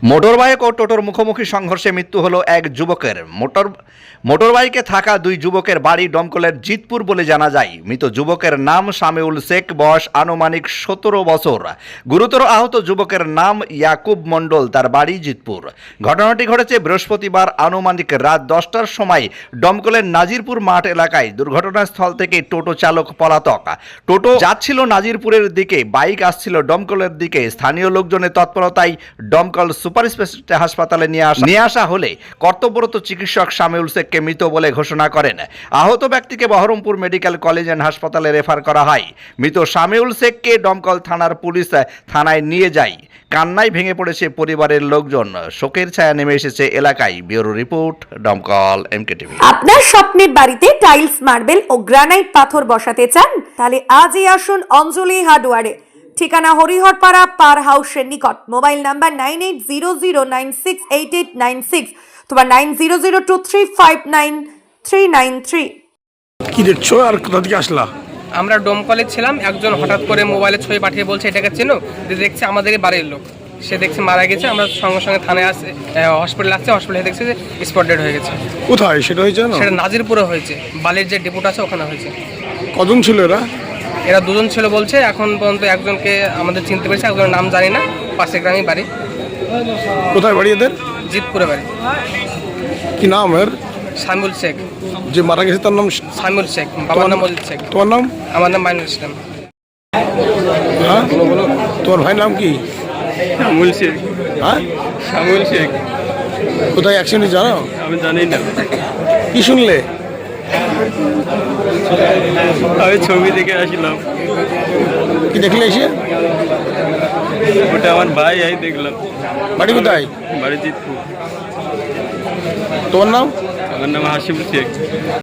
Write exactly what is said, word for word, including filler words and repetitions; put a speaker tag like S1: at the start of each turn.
S1: Motorbike ও টোটোর মুখোমুখি সংঘর্ষে মৃত্যু হলো এক যুবকের। মোটর মোটরবাইকে থাকা দুই যুবকের বাড়ি ডমকলের জিতপুর বলে জানা যায়। মৃত যুবকের নাম সামিউল শেখ, বয়স আনুমানিক সতেরো বছর। গুরুতর আহত যুবকের নাম ইয়াকুব মণ্ডল, তার বাড়ি জিতপুর। ঘটনাটি ঘটেছে বৃহস্পতিবার আনুমানিক রাত দশটার সময় ডমকলের নাজিরপুর মাঠ এলাকায়। দুর্ঘটনাস্থল থেকে টোটো চালক পলাতক। টোটো যাচ্ছিল নাজিরপুরের দিকে, বাইক আসছিল ডমকলের দিকে। স্থানীয় লোকজনের তৎপরতায় ডমকল সুপার স্পেশালিটি হাসপাতালে নিয়ে আসা নিয়ে আসা হলে কর্তব্যরত চিকিৎসক সামিউল শেখকে মৃত বলে ঘোষণা করেন। আহত ব্যক্তিকে বহরমপুর মেডিকেল কলেজ অ্যান্ড হাসপাতালে রেফার করা হয়। মৃত সামিউল শেখকে ডমকল থানার পুলিশ থানায় নিয়ে যায়। কান্নায় ভেঙে পড়েছে পরিবারের লোকজন। শোকের ছায়া নেমে এসেছে এলাকায়। Bureau report, Domkal MK TV.
S2: আপনার স্বপ্নের বাড়িতে টাইলস, মার্বেল ও গ্রানাইট পাথর বসাতে চান? তাহলে আজই আসুন অঞ্জলি হার্ডওয়্যারে। ঠিকানা হরিহরপাড়া পার হাউসের নিকট। Mobile number nine eight zero zero nine six eight eight nine six অথবা nine zero zero two three five nine three nine three.
S3: কি দেখছো আর কোথা থেকে আসলা?
S4: আমরা ডোমকলে ছিলাম, একজন হঠাৎ করে মোবাইলে ছবি পাঠিয়ে বলছে এটাকে চেনো, দেখছে আমাদেরই বাড়ির লোক। সে দেখছে মারা গেছে। আমরা সঙ্গে সঙ্গে থানায় আসে, হসপিটালে আসছে। হসপিটালে দেখছে যে স্পট ডেড হয়ে গেছে।
S3: কোথায় সেটা হয়েছে না?
S4: সেটা নাজিরপুরে হয়েছে, বালির যে ডিপোটা আছে ওখানে হয়েছে।
S3: কজন ছিল এরা?
S4: এরা দুজন ছিল বলছে। এখন পর্যন্ত একজনকে আমাদের চিনতে পেরেছে, একজনের নাম জানি না। পাশে গ্রামে বাড়ি।
S3: কোথায় বাড়ি এদের?
S4: জিতপুরে বাড়ি।
S3: কি নাম এর?
S4: সামিউল শেখ।
S3: যে মারা গেছে তার নাম?
S4: সামিউল শেখ। বাবার নাম মজিদ শেখ।
S3: তোমার নাম?
S4: আমার নাম মাইনুল ইসলাম।
S3: হ্যাঁ, তোমার ভাইয়ের নাম কি?
S5: সামুল শেখ।
S3: হ্যাঁ,
S5: সামুল শেখ।
S3: কোথায় অ্যাক্সিডেন্ট জানো?
S5: আমি জানি না।
S3: কি শুনলে?
S5: আমি ছবি দেখে আসলাম।
S3: কি দেখলে এসে?
S5: ওটা আমার ভাই, এই দেখলাম।
S3: বাড়ি কোথায়?
S5: বাড়ি জিতপুর।
S3: তোমার নাম?
S5: আমার নাম হাসিবুল শেখ।